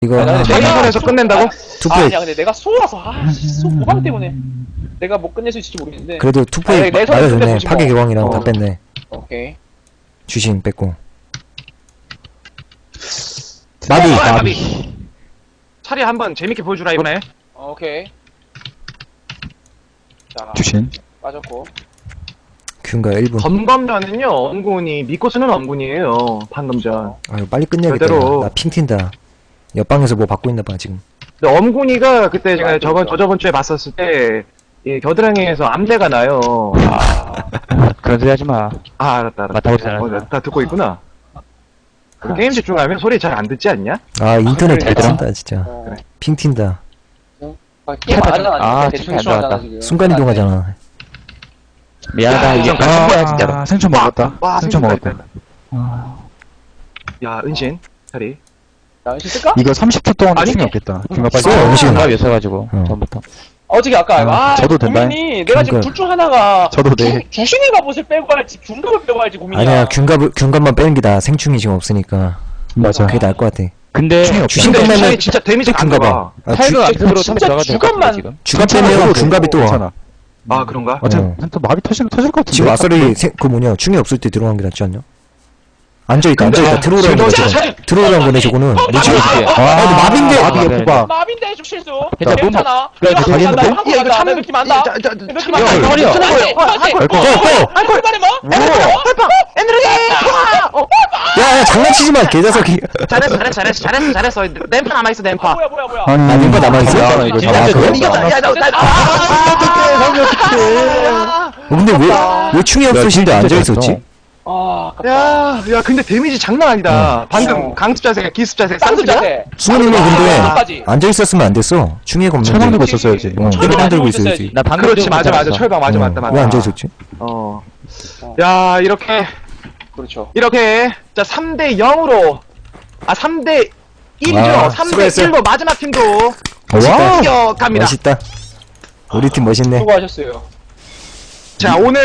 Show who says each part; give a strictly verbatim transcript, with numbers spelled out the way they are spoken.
Speaker 1: 이거
Speaker 2: 아니,
Speaker 1: 하나
Speaker 2: 내가
Speaker 3: 내가 에서 끝낸다고?
Speaker 1: 투표에
Speaker 2: 아니야 근데 내가 쏘아서 아씨 쏘 모방 때문에 내가 못 끝낼 수 있을지 모르겠는데.
Speaker 1: 그래도 투표에
Speaker 2: 아니, 내 손에
Speaker 1: 맞아줬네.
Speaker 2: 손대보지 뭐.
Speaker 1: 파괴 교황이랑 다
Speaker 2: 어.
Speaker 1: 뺐네.
Speaker 2: 오케이.
Speaker 1: 주신 뺐고. 마비
Speaker 3: 아,
Speaker 1: 마비.
Speaker 3: 마비. 차리 한번 재밌게 보여주라 이번에.
Speaker 2: 어, 오케이. 자
Speaker 4: 주신.
Speaker 2: 빠졌고.
Speaker 1: 균가 일 분.
Speaker 3: 검검전은요 엄군이 믿고 쓰는 엄군이에요. 방금전.
Speaker 1: 아유 빨리 끝내야겠다.
Speaker 3: 그대로.
Speaker 1: 나 핑 튄다. 옆방에서 뭐 받고 있나봐 지금.
Speaker 3: 근데 엄군이가 그때 제가
Speaker 2: 아,
Speaker 3: 저번
Speaker 2: 그렇죠.
Speaker 3: 저저번 주에 봤었을 때 이 겨드랑이에서 암대가 나요. 아,
Speaker 4: 그런 소리 하지 마.
Speaker 3: 아 알았다 알았다.
Speaker 4: 맞다고 잘
Speaker 3: 어,
Speaker 4: 알았어.
Speaker 3: 다 듣고 있구나. 그 게임 집중하면 소리 잘 안 듣지 않냐?
Speaker 1: 아 인터넷 잘
Speaker 2: 그러니까.
Speaker 1: 튄다 진짜.
Speaker 2: 어.
Speaker 1: 핑 튄다.
Speaker 2: 아, 게임 안 하잖아.
Speaker 4: 아,
Speaker 2: 대충
Speaker 4: 충이 안
Speaker 2: 하잖아,
Speaker 4: 들어갔다.
Speaker 2: 지금.
Speaker 1: 순간 이동하잖아.
Speaker 4: 미안하다. 이게
Speaker 3: 좀
Speaker 4: 아,
Speaker 3: 같은 거야, 진짜로.
Speaker 4: 아, 생초 먹었다.
Speaker 3: 와,
Speaker 4: 생초
Speaker 3: 생각
Speaker 4: 먹었다.
Speaker 3: 있다.
Speaker 4: 아,
Speaker 3: 야 은신 차리.
Speaker 2: 나 은신 쓸까?
Speaker 4: 이거 삼십 초 동안
Speaker 3: 아니.
Speaker 4: 충이 없겠다. 중간 빨리.
Speaker 1: 써, 음식은.
Speaker 4: 중간 였어가지고
Speaker 1: 어.
Speaker 4: 전부터.
Speaker 2: 어저께 아까
Speaker 4: 아,
Speaker 2: 아,
Speaker 4: 저도 된다.
Speaker 2: 고민이 내가 지금
Speaker 1: 그러니까.
Speaker 2: 둘 중 하나가
Speaker 4: 저도 네.
Speaker 2: 주, 주신의 갑옷을 빼고 할지 중갑을 빼고 할지 고민이야.
Speaker 1: 아니야 균갑 균갑만 빼는 게 나아. 생충이 지금 없으니까.
Speaker 4: 맞아.
Speaker 1: 그게 나을 것 같아.
Speaker 4: 근데
Speaker 1: 주신
Speaker 3: 근데
Speaker 1: 것만은
Speaker 3: 차리 진짜 데미지 안
Speaker 1: 균갑아.
Speaker 3: 가봐.
Speaker 1: 아, 주,
Speaker 4: 타이거 앞으로
Speaker 2: 진짜
Speaker 4: 처음에 들어가야 될것
Speaker 2: 주간만-
Speaker 4: 같아 지금.
Speaker 1: 주갑 빼면 균갑이 또 와.
Speaker 4: 괜찮아.
Speaker 3: 아 그런가?
Speaker 4: 어차피
Speaker 1: 어.
Speaker 4: 또 마비 터질 터질 것 같은데.
Speaker 1: 지금 아싸리 생- 그 뭐냐 충이 없을 때 들어간 게 낫지 않냐? 앉아있다 앉아있다
Speaker 3: 아,
Speaker 1: 들어오라는 거네
Speaker 3: 진짜
Speaker 1: 저거.
Speaker 3: 차리-
Speaker 1: 들어오라는 거네 저거는.
Speaker 4: 리치 어떻게?
Speaker 1: 아, 근데 마비인데.
Speaker 4: 마비
Speaker 2: 아,
Speaker 4: 예쁘봐.
Speaker 2: 마빈데 좀 실수.
Speaker 4: 괜찮아,
Speaker 2: 괜찮아.
Speaker 4: 그래,
Speaker 2: 내가
Speaker 4: 되게
Speaker 2: 한국
Speaker 4: 되겠는데?
Speaker 2: 한국 한다. 내 느낌 안다. 내 느낌 안다.
Speaker 4: 야,
Speaker 2: 허리야.
Speaker 4: 괜찮은
Speaker 2: 거예요. 한국 말해 뭐?
Speaker 1: 야야 장난치지 마 개자석이.
Speaker 3: 잘했어 잘했어 잘했어 잘했어 잘했어. 램파 남아 있어 램파.
Speaker 2: 뭐야 뭐야 뭐야.
Speaker 4: 아니,
Speaker 1: 아, 멤버 남아있어?
Speaker 4: 야, 이거
Speaker 2: 진짜
Speaker 4: 아,
Speaker 2: 진짜
Speaker 4: 그래?
Speaker 2: 이겼다. 야, 나, 나,
Speaker 1: 어, 근데 왜 왜 충이 없으신데 앉아있었지?
Speaker 2: 아, 아깝다.
Speaker 3: 야, 야, 근데 데미지 장난 아니다. 방금 강습 자세가 기습 자세가
Speaker 2: 쌍수 자세.
Speaker 1: 수호님은
Speaker 2: 끝까지.
Speaker 1: 근데 앉아있었으면 안 됐어. 충이가 없는데.
Speaker 4: 철망 들고 있었어야지.
Speaker 1: 어,
Speaker 2: 철망
Speaker 1: 철망 들고
Speaker 2: 들고
Speaker 1: 있어야지.
Speaker 4: 나 방금
Speaker 3: 그렇지
Speaker 4: 좀
Speaker 3: 맞아 맞아
Speaker 4: 괜찮았어.
Speaker 3: 철방 맞아
Speaker 1: 어,
Speaker 3: 맞다 맞다.
Speaker 1: 왜 앉아있었지?
Speaker 3: 어. 야 이렇게
Speaker 2: 그렇죠.
Speaker 3: 이렇게 자 삼 대 영으로 아 삼 대 일이죠.
Speaker 1: 와,
Speaker 3: 삼 대
Speaker 1: 수고했어요.
Speaker 3: 일로 마지막 팀도
Speaker 1: 멋있다.
Speaker 3: 이겨갑니다.
Speaker 1: 멋있다. 우리 팀 멋있네.
Speaker 2: 수고하셨어요.
Speaker 3: 자 오늘